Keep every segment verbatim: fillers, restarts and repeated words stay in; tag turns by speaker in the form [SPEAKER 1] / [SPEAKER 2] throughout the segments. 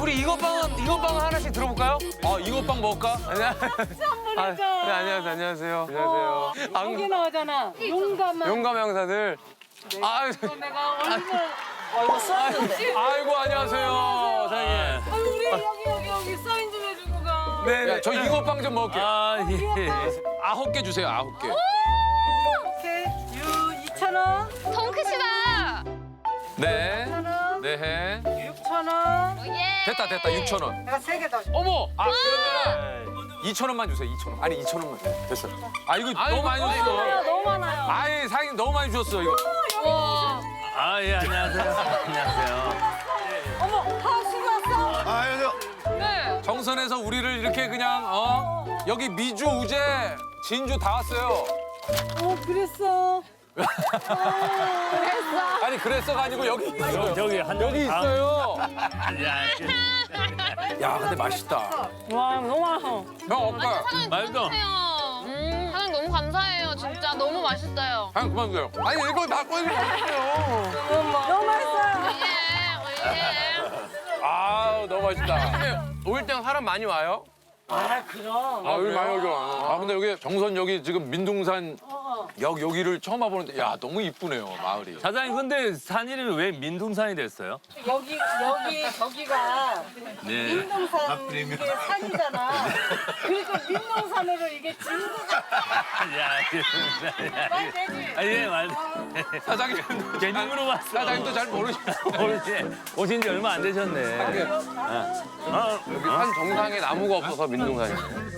[SPEAKER 1] 우리 이것빵은 이것빵 하나씩 들어볼까요? 아 이것빵 먹을까? 안녕하세요. 아, 네, 안녕하세요. 안녕하세요. 안녕하세요. 안-
[SPEAKER 2] 여기 나오잖아. 용감한.
[SPEAKER 1] 용감 형사들. 아유,
[SPEAKER 2] 내가 얼굴. 얼굴 써있는데.
[SPEAKER 1] 아이고 안녕하세요, 사장님.
[SPEAKER 2] 아, 우리 여기 여기 여기 사인 좀 해주고 가.
[SPEAKER 1] 네, 야, 저 이것빵 좀 먹을게요.
[SPEAKER 3] 아, 예.
[SPEAKER 1] 아홉 개 주세요, 아홉 개.
[SPEAKER 2] 오케이. 유 이천 원.
[SPEAKER 4] 통크시다.
[SPEAKER 1] 네,
[SPEAKER 2] 천 원.
[SPEAKER 1] 네.
[SPEAKER 2] 육천 원.
[SPEAKER 4] 예.
[SPEAKER 1] 됐다, 됐다, 육천 원.
[SPEAKER 2] 내가 세 개 더. 줘.
[SPEAKER 1] 어머, 아 그러면 이천 원만 주세요, 이천 원. 아니 이천 원만. 됐어. 아 이거 너무 많이
[SPEAKER 2] 너무
[SPEAKER 1] 줬어.
[SPEAKER 2] 많아요. 너무 많아요.
[SPEAKER 1] 아이 사장님 너무 많이 주셨어 이거.
[SPEAKER 4] 와.
[SPEAKER 3] 아, 예, 안녕하세요. 안녕하세요.
[SPEAKER 2] 어머, 하수구 왔어.
[SPEAKER 5] 아, 안녕하세요.
[SPEAKER 4] 네.
[SPEAKER 1] 정선에서 우리를 이렇게 그냥 어 여기 미주, 우재, 진주 다 왔어요.
[SPEAKER 2] 어, 그랬어.
[SPEAKER 1] 아니 그랬어가 아니고 여기 있어요.
[SPEAKER 3] 저기 한
[SPEAKER 1] 여기
[SPEAKER 3] 다-
[SPEAKER 1] 있어요.
[SPEAKER 3] 야,
[SPEAKER 1] 야 근데 맛있다.
[SPEAKER 2] 와, 너무 많아.
[SPEAKER 1] 형 아까
[SPEAKER 4] 사장님
[SPEAKER 3] 말도.
[SPEAKER 4] 감사해요. 음, 사장님 너무 감사해요. 진짜 너무 맛있어요.
[SPEAKER 1] 형 그만 주세요. 아니 이거 다 꺼내지 마세요.
[SPEAKER 2] 너무 맛있어요.
[SPEAKER 4] 예, 예.
[SPEAKER 1] 아 너무 맛있다. 올 땐 사람 많이 와요?
[SPEAKER 2] 아, 그럼.
[SPEAKER 1] 아 여기 많이 오죠. 아 근데 여기 정선 여기 지금 민둥산 역 여기를 처음 와보는데 야 너무 이쁘네요 마을이.
[SPEAKER 3] 사장님, 근데 산 이름이 왜 민둥산이 됐어요?
[SPEAKER 2] 여기 여기 저기가
[SPEAKER 3] 네.
[SPEAKER 2] 민둥산 이게 산이잖아. 그러니까 민둥산으로 이게 진도가
[SPEAKER 3] 야,
[SPEAKER 2] 말 되지.
[SPEAKER 3] 아, 예, 말.
[SPEAKER 1] 사장님
[SPEAKER 3] 괜히 물어봤어.
[SPEAKER 1] 사장님도 잘 모르시죠.
[SPEAKER 3] 모르지. 오신 지 얼마 안 되셨네. 어,
[SPEAKER 1] 여기 산 정상에 나무가 없어서 민둥산이에요.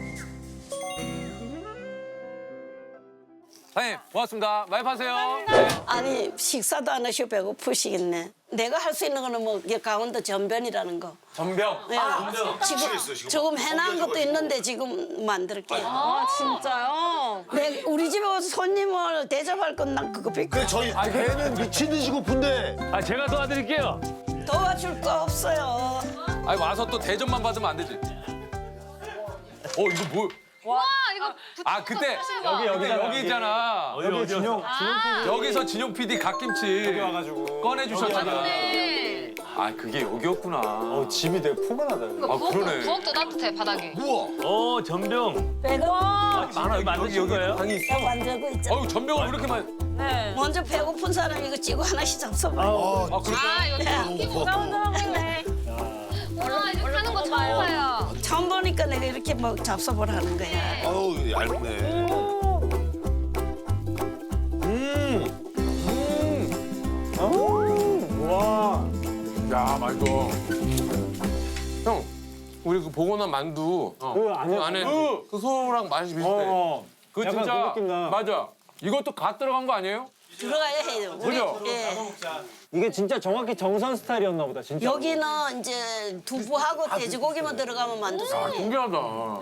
[SPEAKER 1] 사장님 고맙습니다. 많이 파세요. 네.
[SPEAKER 6] 아니 식사도 안 하시고 배고프시겠네. 내가 할 수 있는 거는 뭐 이게 강원도 전변이라는 거.
[SPEAKER 1] 전병.
[SPEAKER 6] 예. 지금 조금 해놓은 것도 있는데 지금 만들게.
[SPEAKER 4] 아, 진짜요?
[SPEAKER 6] 내 우리 집에 와서 손님을 대접할 건 난 그거 밖에
[SPEAKER 5] 그 저희 걔는 미친 듯이 고픈데.
[SPEAKER 3] 아, 제가 도와드릴게요.
[SPEAKER 6] 도와줄 거 없어요.
[SPEAKER 1] 아니 와서 또 대접만 받으면 안 되지. 어 이거 뭐?
[SPEAKER 4] 와, 이거
[SPEAKER 1] 아 그때
[SPEAKER 4] 여기
[SPEAKER 1] 여기 여기 있잖아.
[SPEAKER 3] 여기 진영.
[SPEAKER 1] 여기서 진용 피디 갓김치 여기 와가지고 꺼내 주셨잖아.
[SPEAKER 4] 네.
[SPEAKER 1] 아 그게 여기였구나.
[SPEAKER 7] 어, 집이 되게 포근하다.
[SPEAKER 4] 이거
[SPEAKER 1] 아,
[SPEAKER 4] 부엌도,
[SPEAKER 1] 그러네.
[SPEAKER 4] 부엌도 따뜻해, 바닥이.
[SPEAKER 5] 우와.
[SPEAKER 3] 어, 전병.
[SPEAKER 6] 배가
[SPEAKER 3] 많아, 여기 만드신 거예요?
[SPEAKER 1] 방이 있어.
[SPEAKER 6] 만들고 있잖아.
[SPEAKER 1] 어유 전병을 왜 이렇게 많이?
[SPEAKER 6] 먼저 배고픈 사람 이거 찌고 하나씩 잡숴봐.
[SPEAKER 1] 아 그래?
[SPEAKER 4] 아, 여기 끼고 싸운다네. 와, 이렇게 하는 거 처음 봐요.
[SPEAKER 6] 처음 보니까 내가 이렇게 뭐 잡숴보라는 거야.
[SPEAKER 5] 아우, 얇네.
[SPEAKER 7] 와.
[SPEAKER 1] 야 맛있어. 형 우리 그 보고난 만두 어.
[SPEAKER 7] 그 안에-
[SPEAKER 1] 그 안에 그, 그 소랑 맛이 비슷해.
[SPEAKER 7] 어.
[SPEAKER 1] 그
[SPEAKER 7] 약간
[SPEAKER 1] 진짜
[SPEAKER 7] 그 느낌 나.
[SPEAKER 1] 맞아. 이것도 갓 들어간 거 아니에요?
[SPEAKER 6] 들어가야 해요.
[SPEAKER 1] 그죠?
[SPEAKER 6] 예.
[SPEAKER 7] 이게 진짜 정확히 정선 스타일이었나 보다, 진짜.
[SPEAKER 6] 여기는 이제 두부하고 돼지고기만 들어가면 만두
[SPEAKER 1] 아
[SPEAKER 6] 손이.
[SPEAKER 1] 신기하다.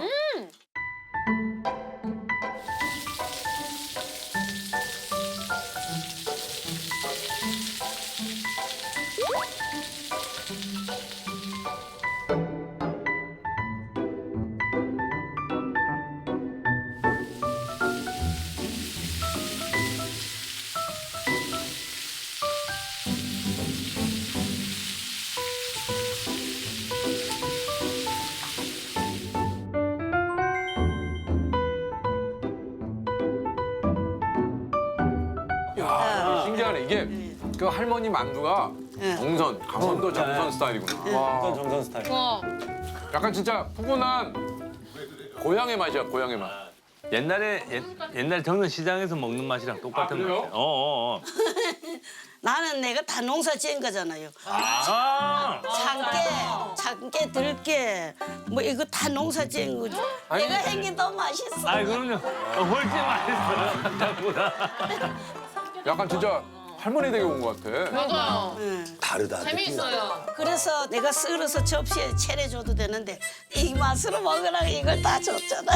[SPEAKER 1] 야 신기하네 이게 그 할머니 만두가
[SPEAKER 6] 예.
[SPEAKER 1] 정선 강원도 정선 스타일이구나.
[SPEAKER 7] 완전
[SPEAKER 1] 와
[SPEAKER 7] 정선 스타일.
[SPEAKER 4] 와,
[SPEAKER 1] 약간 진짜 푸근한 고향의 맛이야 고향의 맛.
[SPEAKER 3] 옛날에, 옛, 옛날 정선 시장에서 먹는 맛이랑 똑같은
[SPEAKER 1] 아, 그래요?
[SPEAKER 3] 맛이에요. 어, 어, 어.
[SPEAKER 6] 나는 내가 다 농사 지은 거잖아요.
[SPEAKER 3] 아,
[SPEAKER 6] 참깨, 참깨, 들깨, 뭐 이거 다 농사 지은 거지.
[SPEAKER 1] 아니,
[SPEAKER 6] 내가 한 게 더 맛있어.
[SPEAKER 3] 아, 그럼요. 어, 훨씬 맛있어요. 생각보다.
[SPEAKER 1] 약간 진짜 할머니 댁에 온 것 같아.
[SPEAKER 4] 맞아요.
[SPEAKER 6] 응.
[SPEAKER 5] 다르다.
[SPEAKER 4] 재미있어요.
[SPEAKER 6] 그래서 내가 썰어서 접시에 차려줘도 되는데 이 맛으로 먹으라고 이걸 다 줬잖아.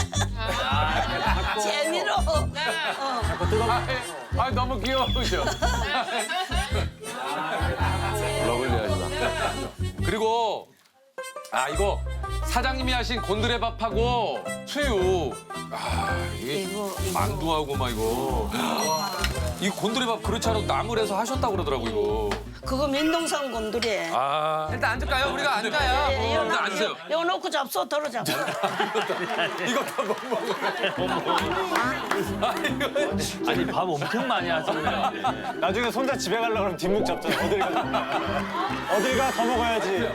[SPEAKER 6] 재미로. 어.
[SPEAKER 1] 아, 아 너무 귀여우죠. 러블리하시다. 그리고 아 이거 사장님이 하신 곤드레밥하고 수육. 아 이게
[SPEAKER 6] 이거, 이거.
[SPEAKER 1] 만두하고 막 이거. 이 곤드레밥 그렇지 않아도 나물에서 하셨다고 그러더라고 이거.
[SPEAKER 6] 그거 민동산 곤두리.
[SPEAKER 1] 아 일단 앉을까요? 우리가 앉아야.
[SPEAKER 6] 예, 이거
[SPEAKER 1] 일단
[SPEAKER 6] 놓-
[SPEAKER 1] 앉으세요.
[SPEAKER 6] 이거 놓고 잡숴, 덜어 잡숴.
[SPEAKER 1] 이거 다 못 먹어요.
[SPEAKER 3] 아니 밥 엄청 많이 하시네요.
[SPEAKER 7] 나중에 손자 집에 가려고 그러면 뒷목 잡잖아. 어딜 가? 어딜 가? 더 먹어야지.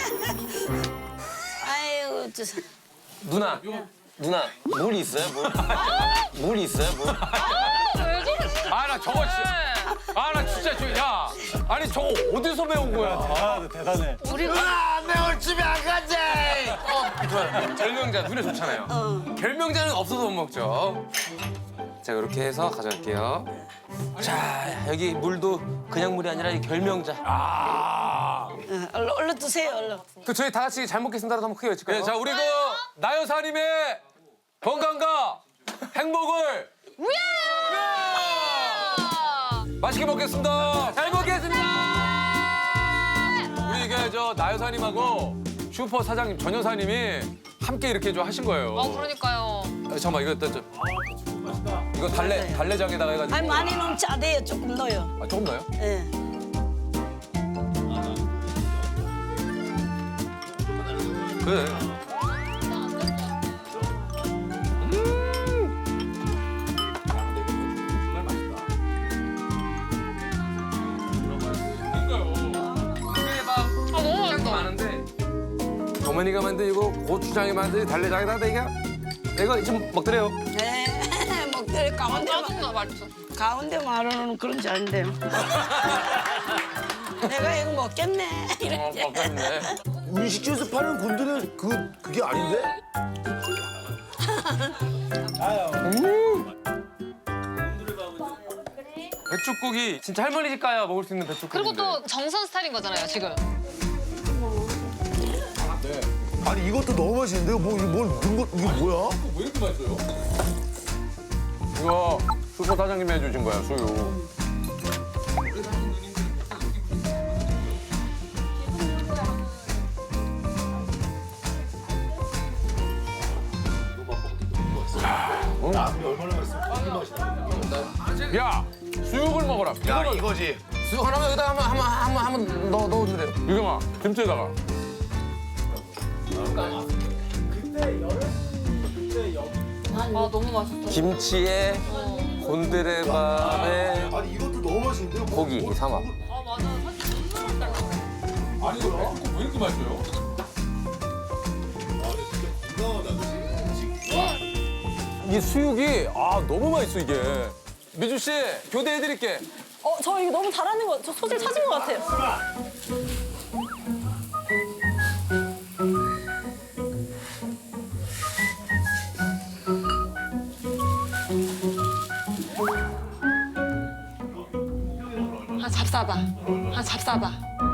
[SPEAKER 6] 아이고, 저,
[SPEAKER 1] 누나 누나 물 있어요? 물? 물 있어요? 물?
[SPEAKER 4] 왜 저러시?
[SPEAKER 1] 아 나 저거 진짜. 아 나 진짜 저 야. 아니 저거 어디서 배운 거야?
[SPEAKER 7] 아, 대단해.
[SPEAKER 5] 아, 내 오늘 집에 안 가지.
[SPEAKER 1] 좋아요. 결명자 눈에 좋잖아요. 결명자는 없어서 못 먹죠. 자 이렇게 해서 가져갈게요. 자 여기 물도 그냥 물이 아니라 이 결명자. 아.
[SPEAKER 6] 어, 얼른, 얼른 드세요, 얼른.
[SPEAKER 1] 그 저희 다 같이 잘 먹겠습니다라도 한번 크게 외칠까요? 네, 자 우리 그 나여사님의 건강과 행복을 맛있게 먹겠습니다. 잘 먹겠습니다. 우리 이게 저 나여사님하고 슈퍼 사장님 전 여사님이 함께 이렇게 좀 하신 거예요.
[SPEAKER 4] 어 그러니까요.
[SPEAKER 1] 아, 잠깐만 이거 일단 좀. 이거 달래 달래장에다가 해가지고.
[SPEAKER 6] 아니, 많이 넣으면 짜대요. 조금 넣어요.
[SPEAKER 1] 아 조금 넣어요?
[SPEAKER 6] 예.
[SPEAKER 1] 그래.
[SPEAKER 4] 아 너무 맛있어.
[SPEAKER 1] 많은데 어머니가 만든 이거 고추장에 만든 달래장에다가 이거 이거 좀 먹더래요.
[SPEAKER 6] 네. 먹들 가운데
[SPEAKER 4] 짜증나 맛있어.
[SPEAKER 6] 가운데 말하는 그런 줄 아는데요. 내가 이거 먹겠네.
[SPEAKER 1] 어,
[SPEAKER 6] 이렇게.
[SPEAKER 1] 먹겠네.
[SPEAKER 5] 음식점에서 파는 곤드레 그 그게 아닌데?
[SPEAKER 1] 배추국이 진짜 할머니 집 가야 먹을 수 있는 배추국.
[SPEAKER 4] 그리고 또 정선 스타일인 거잖아요 지금.
[SPEAKER 5] 아니 이것도 너무 맛있는데 뭐 이거 뭘 넣은 거 이게 뭐야?
[SPEAKER 1] 왜 이렇게 맛있어요? 이거 슈퍼 사장님이 해주신 거야 수유. 야 수육을 먹어라.
[SPEAKER 5] 야
[SPEAKER 1] 이거를
[SPEAKER 5] 이거지.
[SPEAKER 1] 수육 하나만 여기다 한번 한번 한번 한번 넣어 넣어주세요. 유경아 김치에다가.
[SPEAKER 4] 아 너무 맛있어.
[SPEAKER 1] 김치에 곤드레밥에
[SPEAKER 5] 아니 이것도 너무 맛있는데 뭐,
[SPEAKER 1] 고기 이 삼합.
[SPEAKER 4] 아 맞아. 사실 너무 맛있다.
[SPEAKER 1] 아니 이거 왜 이렇게 맛있어요? 이 수육이 아 너무 맛있어 이게. 미주 씨 교대해드릴게.
[SPEAKER 8] 어, 저 이거 너무 잘하는 거, 저 소질 찾은 것 같아요.
[SPEAKER 4] 아 잡사봐. 아 잡사봐.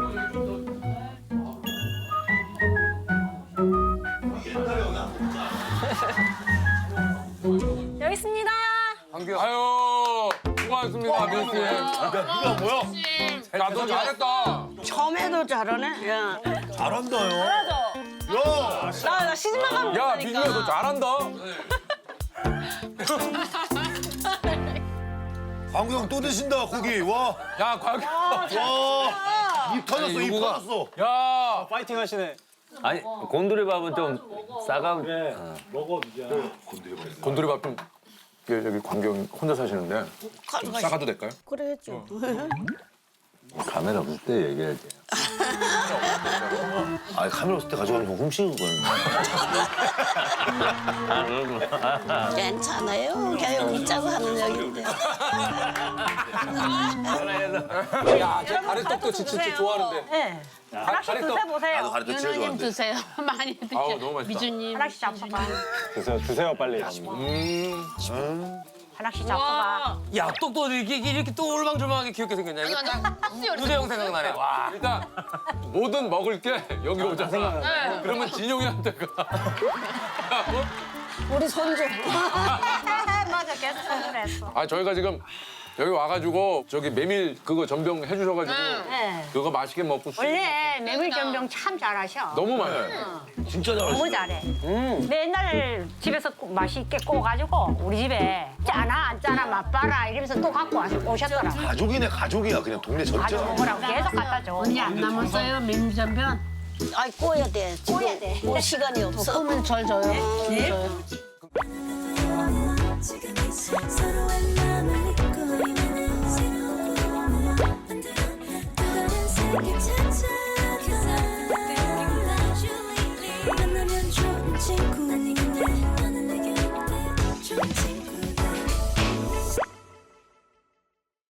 [SPEAKER 8] 여기 있습니다.
[SPEAKER 1] 한규 아유 수고하셨습니다 미주 씨.
[SPEAKER 5] 이거 뭐야?
[SPEAKER 1] 야너 잘했다.
[SPEAKER 6] 처음에도 잘하네. 야.
[SPEAKER 5] 잘한다요. 야,
[SPEAKER 8] 나, 나 시집만 가면
[SPEAKER 1] 야
[SPEAKER 8] 된다니까.
[SPEAKER 1] 미주야 너 잘한다.
[SPEAKER 5] 광구 형 또 드신다 고기. 와,
[SPEAKER 1] 야 광규.
[SPEAKER 5] 와, 입 터졌어, 입
[SPEAKER 1] 요거가-
[SPEAKER 5] 터졌어.
[SPEAKER 1] 야
[SPEAKER 7] 파이팅 하시네.
[SPEAKER 3] 아니 곤두리밥은 좀 싸가.
[SPEAKER 7] 그래. 먹어, 미자.
[SPEAKER 1] 곤드레밥 좀 여기 여기 광규 형 혼자 사시는데 좀 싸가도 될까요?
[SPEAKER 6] 그래야죠.
[SPEAKER 3] 카메라 없을 때 얘기해야지.
[SPEAKER 5] 아, 카메라 없을 때 가져가면 훔치는 거야.
[SPEAKER 3] 아 그렇구나.
[SPEAKER 6] 괜찮아요. 그냥 웃자고 하는 얘기인데.
[SPEAKER 1] 야제 가래떡도 진짜 좋아하는데.
[SPEAKER 8] 네. 하나씩
[SPEAKER 1] 가래떡.
[SPEAKER 8] 드셔보세요.
[SPEAKER 5] 나도 가르쳐 제일
[SPEAKER 4] 유나님
[SPEAKER 5] 좋아하는데.
[SPEAKER 4] 드세요. 많이 드세요.
[SPEAKER 1] 아우 너무 맛있다.
[SPEAKER 4] 미주님.
[SPEAKER 8] 하나씩 잡숴봐.
[SPEAKER 7] 드세요, 드세요, 빨리.
[SPEAKER 1] 음.
[SPEAKER 8] 하나씩 잡숴봐.
[SPEAKER 4] 와.
[SPEAKER 1] 야 떡도 이렇게 이렇게 또 올망졸망하게 귀엽게 생겼냐 이거
[SPEAKER 4] 아니,
[SPEAKER 1] 딱
[SPEAKER 4] 아니,
[SPEAKER 1] 유재형 생각나네. 와 일단 뭐든 먹을 게 여기 오잖아.
[SPEAKER 4] 네.
[SPEAKER 1] 그러면 진용이한테가
[SPEAKER 6] 우리 손주.
[SPEAKER 8] 맞아, 계속 선물했어.
[SPEAKER 1] 아 저희가 지금
[SPEAKER 9] 여기 와가지고 저기 메밀 그거 전병 해주셔가지고
[SPEAKER 8] 네.
[SPEAKER 9] 그거 맛있게 먹고 수-
[SPEAKER 8] 원래 메밀전병 참 잘하셔.
[SPEAKER 9] 너무 많아요.
[SPEAKER 3] 진짜 잘하시네.
[SPEAKER 8] 너무 잘해. 맨날 집에서 꼭 맛있게 구워가지고 우리 집에 짜나 안 짜나 맛봐라 이러면서 또 갖고 와- 오셨더라.
[SPEAKER 5] 가족이네 가족이야 그냥 동네 전체.
[SPEAKER 8] 가지고 먹으라고 계속 갖다 줘.
[SPEAKER 2] 언니 안 남았어요 민전변?
[SPEAKER 6] 아이 구워야 돼. 지금
[SPEAKER 8] 구워야 돼.
[SPEAKER 6] 뭐 시간이 없어.
[SPEAKER 2] 그러면 절 줘요.
[SPEAKER 6] 네.
[SPEAKER 2] 줘요.
[SPEAKER 10] 지금 이 서로의 마음을